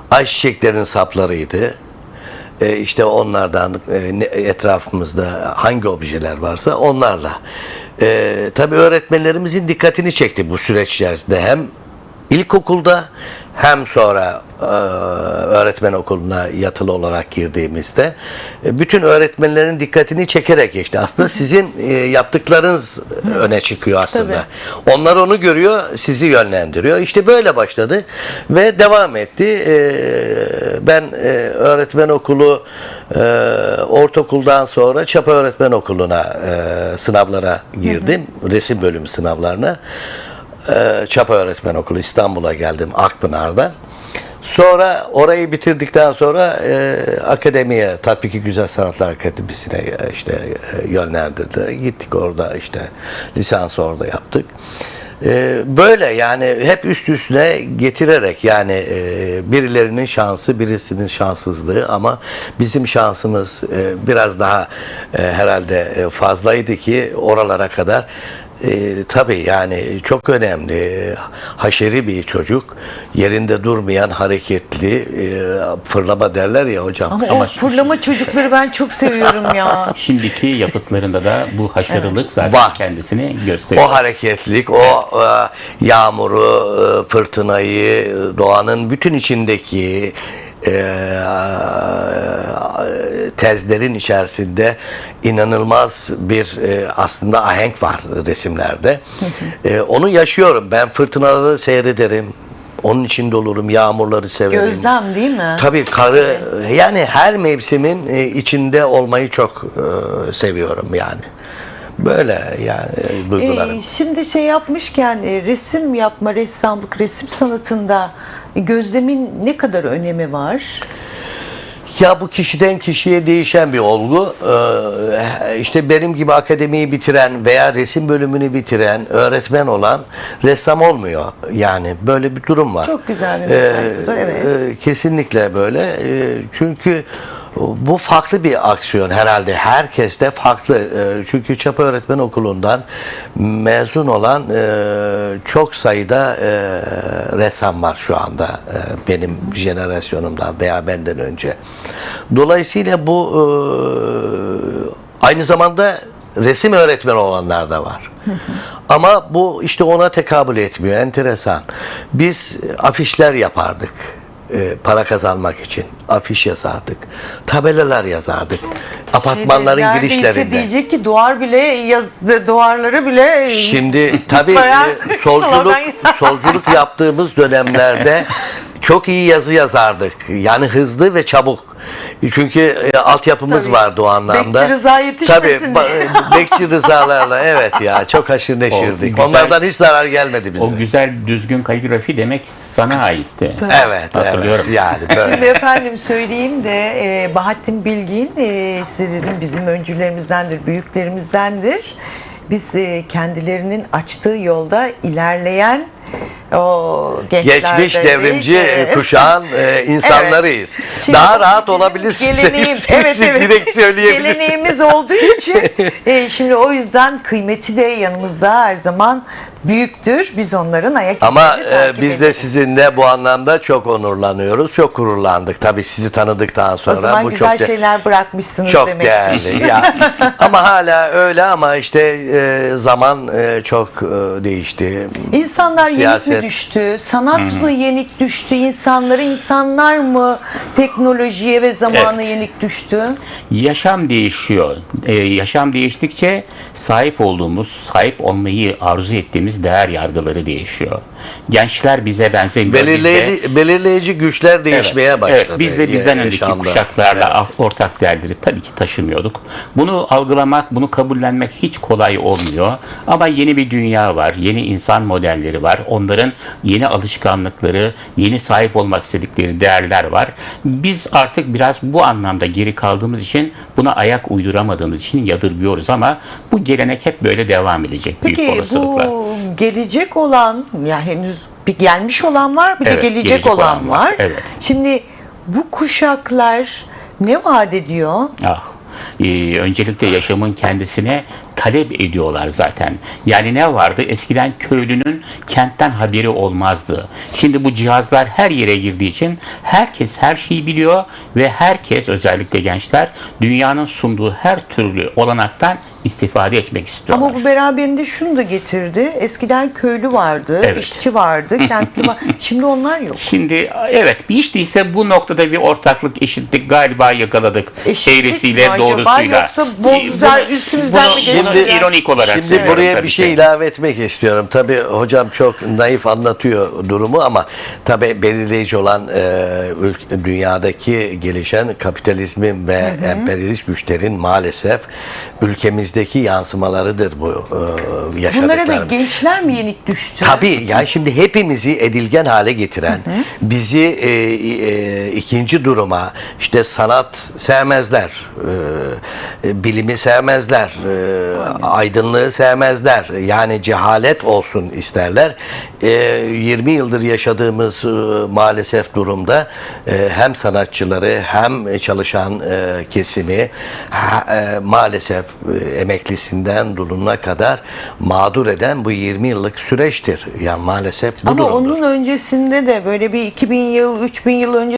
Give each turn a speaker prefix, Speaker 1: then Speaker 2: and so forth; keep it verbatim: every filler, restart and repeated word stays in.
Speaker 1: ayçiçeklerinin saplarıydı. E, işte onlardan e, etrafımızda hangi objeler varsa onlarla. E, tabii öğretmenlerimizin dikkatini çekti bu süreç içerisinde. Hem İlkokulda hem sonra e, öğretmen okuluna yatılı olarak girdiğimizde e, bütün öğretmenlerin dikkatini çekerek geçti. Aslında sizin e, yaptıklarınız öne çıkıyor aslında.
Speaker 2: Tabii.
Speaker 1: Onlar onu görüyor, sizi yönlendiriyor. İşte böyle başladı ve devam etti. E, ben e, öğretmen okulu e, ortaokuldan sonra Çapa Öğretmen Okulu'na e, sınavlara girdim. Hı hı. Resim bölümü sınavlarına. Çapa Öğretmen Okulu İstanbul'a geldim Akpınar'da. Sonra orayı bitirdikten sonra e, akademiye, Tatbiki Güzel Sanatlar Akademisi'ne e, işte e, yönlendirdiler. Gittik orada işte lisansı orada yaptık. E, böyle yani hep üst üstüne getirerek yani e, birilerinin şansı, birisinin şanssızlığı ama bizim şansımız e, biraz daha e, herhalde fazlaydı ki oralara kadar. E, tabii yani çok önemli. Haşeri bir çocuk. Yerinde durmayan, hareketli, e, fırlama derler ya hocam.
Speaker 2: Ama,
Speaker 3: Ama
Speaker 2: o fırlama çocukları ben çok seviyorum ya.
Speaker 3: Şimdiki yapıtlarında da bu haşarılık evet. zaten
Speaker 1: var.
Speaker 3: Kendisini gösteriyor.
Speaker 1: O hareketlilik, o e, yağmuru, e, fırtınayı, doğanın bütün içindeki e, tezlerin içerisinde inanılmaz bir e, aslında ahenk var resimlerde. e, onu yaşıyorum. Ben fırtınaları seyrederim. Onun içinde olurum. Yağmurları severim.
Speaker 2: Gözlem değil mi?
Speaker 1: Tabii karı yani her mevsimin e, içinde olmayı çok e, seviyorum yani. Böyle yani e, duygularım.
Speaker 2: Ee, şimdi şey yapmışken e, resim yapma, ressamlık, resim sanatında e, gözlemin ne kadar önemi var?
Speaker 1: Ya bu kişiden kişiye değişen bir olgu. Ee, işte benim gibi akademiyi bitiren veya resim bölümünü bitiren, öğretmen olan ressam olmuyor. Yani böyle bir durum var.
Speaker 2: Çok güzel bir mesaj bu da, evet.
Speaker 1: E, kesinlikle böyle. E, çünkü bu farklı bir aksiyon herhalde. Herkes de farklı. E, çünkü Çapa Öğretmen Okulu'ndan mezun olan e, çok sayıda e, ressam var şu anda. E, benim jenerasyonumdan veya benden önce. Dolayısıyla bu e, aynı zamanda resim öğretmeni olanlar da var. Ama bu işte ona tekabül etmiyor. Enteresan. Biz afişler yapardık. E, para kazanmak için afiş yazardık. Tabelalar yazardık. Apartmanların
Speaker 2: Şeyde,
Speaker 1: girişlerinde.
Speaker 2: Diyecek ki duvar bile yazdı, duvarları bile
Speaker 1: Şimdi tabii
Speaker 2: bayağı
Speaker 1: e, solculuk
Speaker 2: slogan.
Speaker 1: solculuk yaptığımız dönemlerde çok iyi yazı yazardık. Yani hızlı ve çabuk. Çünkü e, altyapımız
Speaker 2: Tabii.
Speaker 1: vardı o anlamda.
Speaker 2: Bekçi Rıza yetişmesin
Speaker 1: Tabii,
Speaker 2: diye.
Speaker 1: ba- Bekçi Rızalarla evet ya çok haşır neşirdik.
Speaker 3: güzel-
Speaker 1: Onlardan hiç zarar gelmedi bize.
Speaker 3: O güzel düzgün kaligrafi demek sana aitti.
Speaker 1: Evet,
Speaker 3: Hatırlıyorum.
Speaker 1: evet. Yani böyle.
Speaker 2: Şimdi efendim söyleyeyim de e, Bahattin Bilgin e, size dedim bizim öncülerimizdendir, büyüklerimizdendir. Biz e, kendilerinin açtığı yolda ilerleyen o
Speaker 1: Geçmiş devrimci
Speaker 2: Evet.
Speaker 1: kuşağın e, insanlarıyız.
Speaker 2: Evet. Şimdi
Speaker 1: Daha
Speaker 2: o
Speaker 1: rahat
Speaker 2: bizim
Speaker 1: olabilirsiniz.
Speaker 2: geleneğimiz-
Speaker 1: Hepsini
Speaker 2: evet, evet.
Speaker 1: direkt söyleyebilirsiniz.
Speaker 2: Geleneğimiz olduğu için e, şimdi o yüzden kıymeti de yanımızda her zaman büyüktür. Biz onların ayak
Speaker 1: Ama
Speaker 2: izlerini
Speaker 1: e,
Speaker 2: takip
Speaker 1: biz de
Speaker 2: ederiz.
Speaker 1: sizinle bu anlamda çok onurlanıyoruz. Çok gururlandık. Tabii sizi tanıdıktan sonra.
Speaker 2: O zaman
Speaker 1: bu
Speaker 2: güzel
Speaker 1: çok de-
Speaker 2: şeyler bırakmışsınız
Speaker 1: Çok
Speaker 2: demektir.
Speaker 1: değerli. Ya, ama hala öyle ama işte e, zaman e, çok e, değişti.
Speaker 2: İnsanlar
Speaker 1: Siyaset.
Speaker 2: yenik mi düştü? Sanat mı yenik düştü? İnsanları insanlar mı teknolojiye ve zamana
Speaker 3: Evet.
Speaker 2: yenik düştü?
Speaker 3: Yaşam değişiyor. Ee, yaşam değiştikçe sahip olduğumuz, sahip olmayı arzu ettiğimiz değer yargıları değişiyor. Gençler bize benzemiyor. Biz de-
Speaker 1: Belirleyici, belirleyici güçler değişmeye
Speaker 3: Evet,
Speaker 1: başladı.
Speaker 3: evet, biz de bizden önceki
Speaker 1: yaşamda.
Speaker 3: kuşaklarla ortak değerleri tabii ki taşımıyorduk. Bunu algılamak, bunu kabullenmek hiç kolay olmuyor. Ama yeni bir dünya var, yeni insan modelleri var. Onların yeni alışkanlıkları, yeni sahip olmak istedikleri değerler var. Biz artık biraz bu anlamda geri kaldığımız için buna ayak uyduramadığımız için yadırgıyoruz ama bu gelenek hep böyle devam edecek büyük
Speaker 2: Peki
Speaker 3: olasılıkla.
Speaker 2: bu gelecek olan, ya henüz bir gelmiş olan var, bir
Speaker 3: Evet,
Speaker 2: de gelecek,
Speaker 3: gelecek
Speaker 2: olan,
Speaker 3: olan var.
Speaker 2: var.
Speaker 3: Evet.
Speaker 2: Şimdi bu kuşaklar ne vaat ediyor?
Speaker 3: Ah, e, öncelikle yaşamın kendisine talep ediyorlar zaten. Yani ne vardı? Eskiden köylünün kentten haberi olmazdı. Şimdi bu cihazlar her yere girdiği için herkes her şeyi biliyor ve herkes, özellikle gençler, dünyanın sunduğu her türlü olanaktan istifade etmek istiyorlar.
Speaker 2: Ama bu beraberinde şunu da getirdi. Eskiden köylü vardı,
Speaker 3: Evet.
Speaker 2: işçi vardı, kentli var. Şimdi onlar yok.
Speaker 3: Şimdi evet, hiç değilse bu noktada bir ortaklık, eşitlik galiba yakaladık.
Speaker 2: Eşitlik
Speaker 3: Eğrisiyle
Speaker 2: mi acaba,
Speaker 3: doğrusuyla.
Speaker 2: yoksa bu güzel üstümüzden
Speaker 3: bunu,
Speaker 2: mi geçti?
Speaker 3: bunu ironik olarak
Speaker 1: Şimdi
Speaker 3: söylüyorum
Speaker 1: buraya
Speaker 3: tabii
Speaker 1: bir şey
Speaker 3: ki.
Speaker 1: ilave etmek istiyorum. Tabii hocam çok naif anlatıyor durumu ama tabii belirleyici olan e, ülk- dünyadaki gelişen kapitalizmin ve emperyalist güçlerin maalesef ülkemizdeki yansımalarıdır bu e, yaşadıklarımız.
Speaker 2: Bunlara da gençler mi yenik düştü?
Speaker 1: Tabii, yani şimdi hepimizi edilgen hale getiren, bizi e, e, ikinci duruma, işte sanat sevmezler, e, e, bilimi sevmezler, e, aydınlığı sevmezler, yani cehalet olsun isterler. E, yirmi yıldır yaşadığımız e, maalesef durumda e, hem sanatçıları hem çalışan e, kesimi ha, e, maalesef e, emeklisinden dulununa kadar mağdur eden bu yirmi yıllık süreçtir. Yani maalesef bu
Speaker 2: Ama
Speaker 1: durumdur.
Speaker 2: onun öncesinde de böyle bir iki bin yıl, üç bin yıl önce